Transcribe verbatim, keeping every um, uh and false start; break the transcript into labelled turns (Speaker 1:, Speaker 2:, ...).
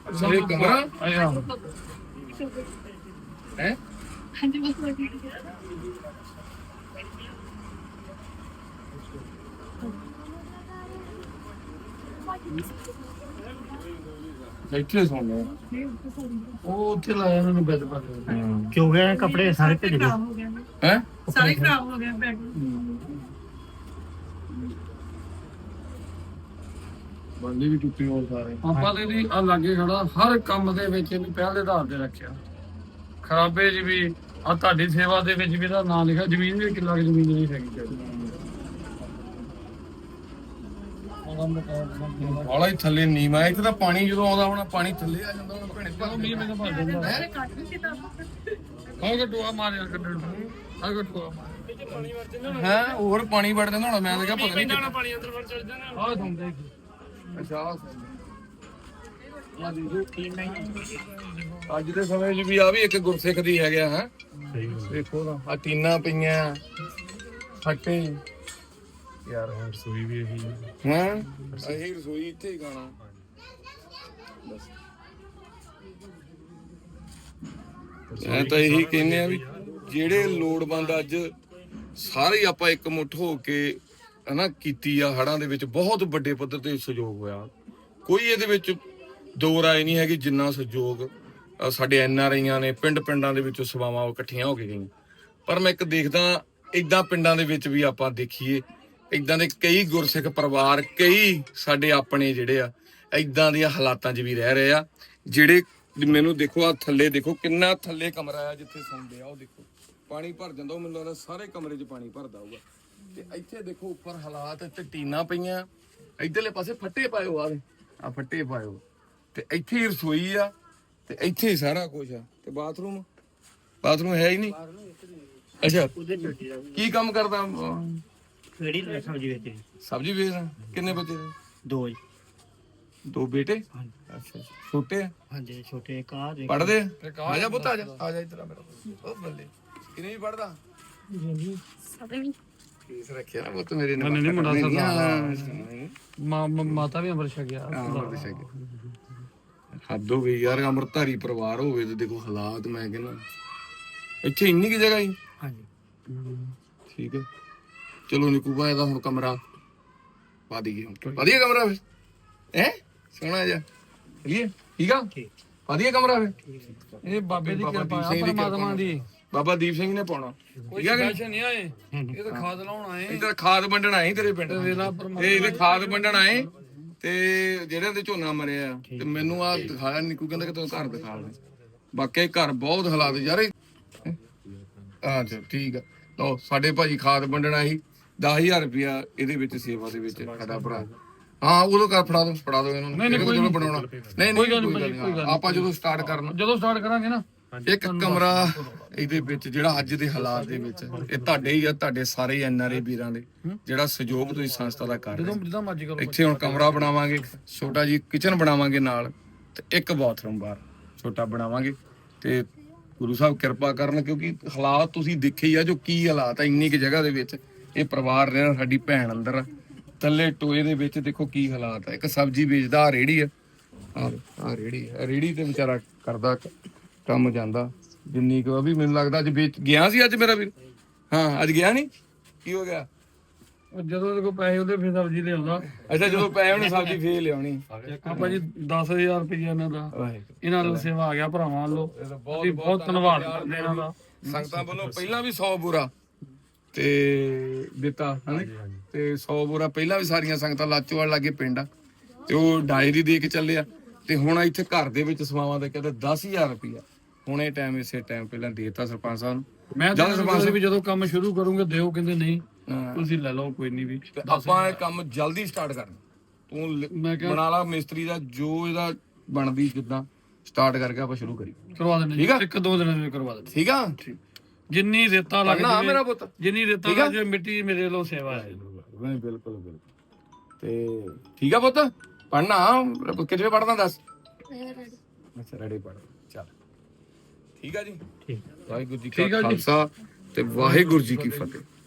Speaker 1: ਇਹ ਕਮਰਾ ਹੈ ਇੱਥੇ ਸੌਂਦੇ ਉਹ ਉੱਥੇ ਲਾਇਆ ਇਹਨਾਂ ਨੂੰ ਬੈੱਡ ਪਾ ਕੇ
Speaker 2: ਕਿਉਂ ਗਿਆ ਕੱਪੜੇ ਸਾਰੇ ਭੇਜ ਗਏ
Speaker 1: ਹੈ
Speaker 3: ਸਾਰੇ ਖਰਾਬ ਹੋ ਗਏ ਬੈਗ
Speaker 1: ਬੰਦੇ ਵੀ ਟੁੱਟੇ ਹੋ ਸਾਰੇ ਆਪਾਂ ਤੇ ਵੀ ਆ ਲਾਗੇ ਖੜਾ ਹਰ ਕੰਮ ਦੇ ਵਿੱਚ ਇਹਨੂੰ ਪਹਿਲੇ ਆਧਾਰ ਤੇ ਰੱਖਿਆ ਖਰਾਬੇ ਜੀ ਵੀ ਆ ਤੁਹਾਡੀ ਸੇਵਾ ਦੇ ਵਿੱਚ ਵੀ ਇਹਦਾ ਨਾਂ ਲਿਖਿਆ ਜ਼ਮੀਨ ਵੀ ਕਿੱਲਾ ਕੁ ਜ਼ਮੀਨ ਨਹੀਂ ਹੈਗੀ ਬਾਲਾ ਹੀ ਥੱਲੇ ਨੀਵਾਂ ਇੱਥੇ ਤਾਂ ਪਾਣੀ ਜਦੋਂ ਆਉਂਦਾ ਹੋਣਾ ਪਾਣੀ ਥੱਲੇ ਆ ਜਾਂਦਾ ਹੁਣ ਭੈਣੇ ਚਲੋ ਮੀਂਹ ਮੈਨੂੰ ਭਰ ਜਾਂਦਾ ਹੈ ਆਹ ਗੱਟੂਆ ਮਾਰਿਆ ਗੱਟੂ ਆਹ ਗੱਟੂਆ ਮਾਰਿਆ ਹੈ ਹੋਰ ਪਾਣੀ ਵੜ ਜਾਂਦਾ ਹੁਣ ਮੈਂ ਤਾਂ ਕਿਹਾ ਪਤਾ ਨਹੀਂ ਪਾਣੀ ਅੰਦਰ ਵੜ ਚੜ ਜਾਂਦਾ ਆਹ ਸੁਣਦੇ ਅੱਛਾ ਅੱਜ ਦੇ ਸਮੇਂ 'ਚ ਵੀ ਆ ਵੀ ਇੱਕ ਗੁਰਸਿੱਖ ਦੀ ਹੈਗਾ ਹੈ ਦੇਖੋ ਨਾ ਆ ਟੀਨਾਂ ਪਈਆਂ ਫੱਟੇ ਯਾਰ ਹੁਣ ਰਸੋਈ ਵੀ ਇਹੀ ਹਾਂ ਇਹੀ ਰਸੋਈ ਇੱਥੇ ਹੀ ਖਾਣਾ ਬਸ ਮੈਂ ਤਾਂ ਇਹੀ ਕਹਿੰਦੇ ਆ ਵੀ ਜਿਹੜੇ ਲੋੜਵੰਦ ਅੱਜ ਸਾਰੇ ਆਪਾਂ ਇੱਕ ਮੁੱਠ ਹੋ ਕੇ ਹਨਾ ਕੀਤੀ ਆ ਹੜਾਂ ਦੇ ਵਿੱਚ ਬਹੁਤ ਵੱਡੇ ਪੱਧਰ ਤੇ ਸਹਿਯੋਗ ਹੋਇਆ ਕੋਈ ਇਹਦੇ ਵਿੱਚ ਦੋ ਰਾਏ ਨਹੀਂ ਹੈਗੀ ਜਿੰਨਾ ਸਹਿਯੋਗ ਸਾਡੇ ਐਨ ਆਰ ਆਈਆਂ ਨੇ ਪਿੰਡ ਪਿੰਡਾਂ ਦੇ ਵਿੱਚੋਂ ਸਭਾਵਾਂ ਇਕੱਠੀਆਂ ਹੋ ਕੇ ਗਈਆਂ ਪਰ ਮੈਂ ਇੱਕ ਦੇਖਦਾ ਏਦਾਂ ਪਿੰਡਾਂ ਦੇ ਵਿੱਚ ਵੀ ਆਪਾਂ ਦੇਖੀਏ ਏਦਾਂ ਦੇ ਕਈ ਗੁਰਸਿੱਖ ਪਰਿਵਾਰ ਕਈ ਸਾਡੇ ਆਪਣੇ ਜਿਹੜੇ ਆ ਏਦਾਂ ਦੀਆਂ ਹਾਲਾਤਾਂ 'ਚ ਵੀ ਰਹਿ ਰਹੇ ਆ ਜਿਹੜੇ ਮੈਨੂੰ ਦੇਖੋ ਆ ਥੱਲੇ ਦੇਖੋ ਕਿੰਨਾ ਥੱਲੇ ਕਮਰਾ ਆ ਜਿੱਥੇ ਸੌਂਦੇ ਆ ਉਹ ਦੇਖੋ ਪਾਣੀ ਭਰ ਜਾਂਦਾ ਉਹ ਮੈਨੂੰ ਲੱਗਦਾ ਸਾਰੇ ਕਮਰੇ 'ਚ ਪਾਣੀ ਭਰਦਾ ਹੋਊਗਾ ਤੇ ਇੱਥੇ ਦੇਖੋ ਉੱਪਰ ਹਾਲਾਤ ਤੇ ਟੀਨਾਂ ਪਈਆਂ ਇੱਧਰਲੇ ਪਾਸੇ ਫੱਟੇ ਪਾਇਓ ਆ ਆ ਫੱਟੇ ਪਾਇਓ ਤੇ ਇੱਥੇ ਹੀ ਰਸੋਈ ਆ ਤੇ ਇੱਥੇ ਹੀ ਸਾਰਾ ਕੁਝ ਆ ਤੇ ਬਾਥਰੂਮ ਬਾਥਰੂਮ ਹੈ ਹੀ ਨਹੀਂ ਅੱਛਾ ਕੀ ਕੰਮ ਕਰਦਾ
Speaker 2: ਕਿਹੜੀ ਸਬਜ਼ੀ ਵੇਚੀ
Speaker 1: ਸਬਜ਼ੀ ਵੇਚਦਾ ਕਿੰਨੇ ਬੱਚੇ ਨੇ
Speaker 2: ਦੋ ਜੀ
Speaker 1: ਦੋ ਬੇਟੇ ਅੱਛਾ ਛੋਟੇ ਆ
Speaker 2: ਹਾਂਜੀ ਛੋਟੇ ਕਾਰ
Speaker 1: ਪੜਦੇ ਆ ਜਾ ਪੁੱਤ ਆ ਜਾ ਆ ਜਾ ਇੱਧਰ ਆ ਮੇਰਾ ਉਹ ਬੱਲੇ ਕਿੰਨੇ ਵੀ ਪੜਦਾ ਫੀਸ ਰੱਖਿਆ ਨਾ ਪੁੱਤ ਮੇਰੇ ਨੇ ਨਹੀਂ ਨਹੀਂ ਮੁੰਡਾ ਸਰਦਾਰ ਮਾਤਾ ਵੀ ਅੰਮ੍ਰਿਤ ਛਕਿਆ ਅੰਮ੍ਰਿਤ ਛਕਿਆ ਹੱਦ ਹੋ ਗਈ ਯਾਰ ਅੰਮ੍ਰਿਤਧਾਰੀ ਪਰਿਵਾਰ ਹੋਵੇ ਤੇ ਦੇਖੋ ਹਾਲਾਤ ਮੈਂ ਕਹਿੰਦਾ ਇੱਥੇ ਇੰਨੀ ਕੀ ਜਗ੍ਹਾ ਹੀ
Speaker 2: ਹਾਂਜੀ
Speaker 1: ਠੀਕ ਹੈ ਚਲੋ ਨਿੱਕੂ ਭਾਈ ਦਾ ਹੁਣ ਕਮਰਾ ਪਾ ਦਈਏ ਵਧੀਆ ਕਮਰਾ ਫਿਰ ਹੈ ਸੋਹਣਾ ਜਿਹਾ ਚਲੀਏ ਠੀਕ ਆ ਵਧੀਆ ਕਮਰਾ ਫਿਰ ਇਹ ਬਾਬੇ ਦੀ ਕਿਰਪਾ ਆ ਪਰਮਾਤਮਾ ਦੀ ਬਾਬਾ ਦੀਪ ਸਿੰਘ ਨੇ ਪਾਉਣਾ ਠੀਕ ਹੈ ਕਿ ਨਹੀਂ ਆਏ ਇਹ ਤਾਂ ਖਾਦ ਲਾਉਣ ਆਏ ਇਹ ਤਾਂ ਖਾਦ ਵੰਡਣ ਆਏ ਤੇਰੇ ਪਿੰਡ ਇਹ ਇਹਦੇ ਖਾਦ ਵੰਡਣ ਆਏ ਤੇ ਜਿਹੜੇ ਦੇ ਝੋਨਾ ਮਰਿਆ ਤੇ ਮੈਨੂੰ ਆ ਦਿਖਾਇਆ ਨਿੱਕੂ ਕਹਿੰਦਾ ਕਿ ਤੂੰ ਘਰ ਦਿਖਾ ਲੈ ਬਾਕੀ ਘਰ ਬਹੁਤ ਹਾਲਾਤ ਯਾਰ ਅੱਛਾ ਠੀਕ ਆ ਲਓ ਸਾਡੇ ਭਾਜੀ ਖਾਦ ਵੰਡਣ ਆਈ ਦਸ ਹਜ਼ਾਰ ਰੁਪਇਆ ਇਹਦੇ ਵਿੱਚ ਸੇਵਾ ਦੇ ਵਿੱਚ ਸਾਡਾ ਭਰਾ ਹਾਂ ਉਦੋਂ ਕਰ ਫੜਾ ਦੋ ਫੜਾ ਦੋ ਇਹਨਾਂ ਨੂੰ ਜਦੋਂ ਬਣਾਉਣਾ ਨਹੀਂ ਨਹੀਂ ਆਪਾਂ ਜਦੋਂ ਸਟਾਰਟ ਕਰਨਾ ਜਦੋਂ ਸਟਾਰਟ ਕਰਾਂਗੇ ਨਾ ਇੱਕ ਕਮਰਾ ਇਹਦੇ ਵਿੱਚ ਜਿਹੜਾ ਅੱਜ ਦੇ ਹਾਲਾਤ ਦੇ ਵਿੱਚ ਇਹ ਤੁਹਾਡੇ ਹੀ ਆ ਤੁਹਾਡੇ ਸਾਰੇ ਐਨ ਆਰ ਆਈ ਵੀਰਾਂ ਦੇ ਜਿਹੜਾ ਸਹਿਯੋਗ ਤੁਸੀਂ ਸੰਸਥਾ ਦਾ ਕਰ ਰਹੇ ਹੋ ਇੱਥੇ ਹੁਣ ਕਮਰਾ ਬਣਾਵਾਂਗੇ ਛੋਟਾ ਜੀ ਕਿਚਨ ਬਣਾਵਾਂਗੇ ਨਾਲ ਤੇ ਇੱਕ ਬਾਥਰੂਮ ਬਾਹਰ ਛੋਟਾ ਬਣਾਵਾਂਗੇ ਤੇ ਗੁਰੂ ਸਾਹਿਬ ਕਿਰਪਾ ਕਰਨ ਕਿਉਂਕਿ ਹਾਲਾਤ ਤੁਸੀਂ ਦੇਖੇ ਹੀ ਆ ਜੋ ਕੀ ਹਾਲਾਤ ਆ ਇੰਨੀ ਕੁ ਜਗ੍ਹਾ ਦੇ ਵਿੱਚ ਇਹ ਪਰਿਵਾਰ ਰਹਿਣਾ ਸਾਡੀ ਭੈਣ ਅੰਦਰ ਥੱਲੇ ਟੋਏ ਦੇ ਵਿੱਚ ਦੇਖੋ ਕੀ ਹਾਲਾਤ ਆ ਇੱਕ ਸਬਜ਼ੀ ਵੇਚਦਾ ਆ ਰੇੜੀ ਆ ਆ ਰੇੜੀ ਆ ਰੇੜੀ ਤੇ ਵਿਚਾਰਾ ਕਰਦਾ ਕੰਮ ਜਾਂਦਾ ਜਿੰਨੀ ਕੁ ਵੀ ਮੈਨੂੰ ਲੱਗਦਾ ਅੱਜ ਵੇਚ ਗਿਆ ਸੀ ਅੱਜ ਮੇਰਾ ਵੀਰ ਹਾਂ ਅੱਜ ਗਿਆ ਨਹੀਂ ਕੀ ਹੋ ਗਿਆ ਜਦੋਂ ਉਹਦੇ ਕੋਲ ਪੈਸੇ ਉਹਦੇ ਫਿਰ ਸਬਜ਼ੀ ਲਿਆਉਂਦਾ ਅੱਛਾ ਜਦੋਂ ਪੈਸੇ ਉਹਨੇ ਸਬਜ਼ੀ ਫੇਰ ਲਿਆਉਣੀ ਆਪਾਂ ਜੀ ਦਸ ਹਜ਼ਾਰ ਰੁਪਏ ਇਹਨਾਂ ਦਾ ਇਹਨਾਂ ਨੂੰ ਸੇਵਾ ਆ ਗਿਆ ਭਰਾਵਾਂ ਵੱਲੋਂ ਬਹੁਤ ਬਹੁਤ ਧੰਨਵਾਦ ਕਰਦੇ ਇਹਨਾਂ ਦਾ ਸੰਗਤਾਂ ਵੱਲੋਂ ਪਹਿਲਾਂ ਵੀ ਸੌ ਬੋਰਾ ਤੇ ਦਿੱਤਾ ਹਨਾ ਤੇ ਸੌ ਬੋਰਾ ਪਹਿਲਾਂ ਵੀ ਸਾਰੀਆਂ ਸੰਗਤਾਂ ਲਾਚੋਵਾਲ ਲਾਗੇ ਪਿੰਡ ਆ ਤੇ ਉਹ ਡਾਇਰੀ ਦੇ ਕੇ ਚੱਲੇ ਆ ਤੇ ਹੁਣ ਇੱਥੇ ਘਰ ਦੇ ਵਿੱਚ ਸਮਾਵਾਂ ਦਾ ਕਹਿੰਦੇ ਦਸ ਹਜ਼ਾਰ ਰੁਪਇਆ ਹੁਣ ਇਹ ਟਾਈਮ ਇਸੇ ਟਾਈਮ ਪਹਿਲਾਂ ਦੇਤਾ ਸਰਪੰਚ ਸਾਹਿਬ ਨੂੰ ਮੈਂ ਜਦੋਂ ਸਰਪੰਚ ਵੀ ਜਦੋਂ ਕੰਮ ਸ਼ੁਰੂ ਕਰੂੰਗੇ ਦਿਓ ਕਹਿੰਦੇ ਨਹੀਂ ਤੁਸੀਂ ਲੈ ਲਓ ਕੋਈ ਨਹੀਂ ਵੀ ਆਪਾਂ ਇਹ ਕੰਮ ਜਲਦੀ ਸਟਾਰਟ ਕਰਨਾ ਤੂੰ ਬਣਾ ਲਾ ਮਿਸਤਰੀ ਦਾ ਜੋ ਇਹਦਾ ਬਣਦੀ ਜਿੱਦਾਂ ਸਟਾਰਟ ਕਰਕੇ ਆਪਾਂ ਸ਼ੁਰੂ ਕਰੀ ਕਰਵਾ ਦਿੰਦੇ ਠੀਕ ਆ ਇੱਕ ਦੋ ਦਿਨਾਂ ਵਿੱਚ ਕਰਵਾ ਦਿੰਦੇ ਠੀਕ ਆ ਜਿੰਨੀ ਰੇਤਾ ਲੱਗਦੀ ਮੇਰਾ ਪੁੱਤ ਜਿੰਨੀ ਰੇਤਾ ਲੱਗਦੀ ਮਿੱਟੀ ਮੇਰੇ ਵੱਲੋਂ ਸੇਵਾ ਹੈ ਨਹੀਂ ਬਿਲਕੁਲ ਬਿਲਕੁਲ ਤੇ ਠੀਕ ਆ ਪੁੱਤ ਪੜਨਾ ਕਿੱਥੇ ਪੜਦਾ ਦੱਸ ਅੱਛਾ ਰੈਡੀ ਪੜ ਚੱਲ ਠੀਕ ਆ ਜੀ ਠੀਕ ਵਾਹਿਗੁਰੂ ਜੀ ਕਾ ਖਾਲਸਾ ਤੇ ਵਾਹਿਗੁਰੂ ਜੀ ਕੀ ਫਤਿਹ।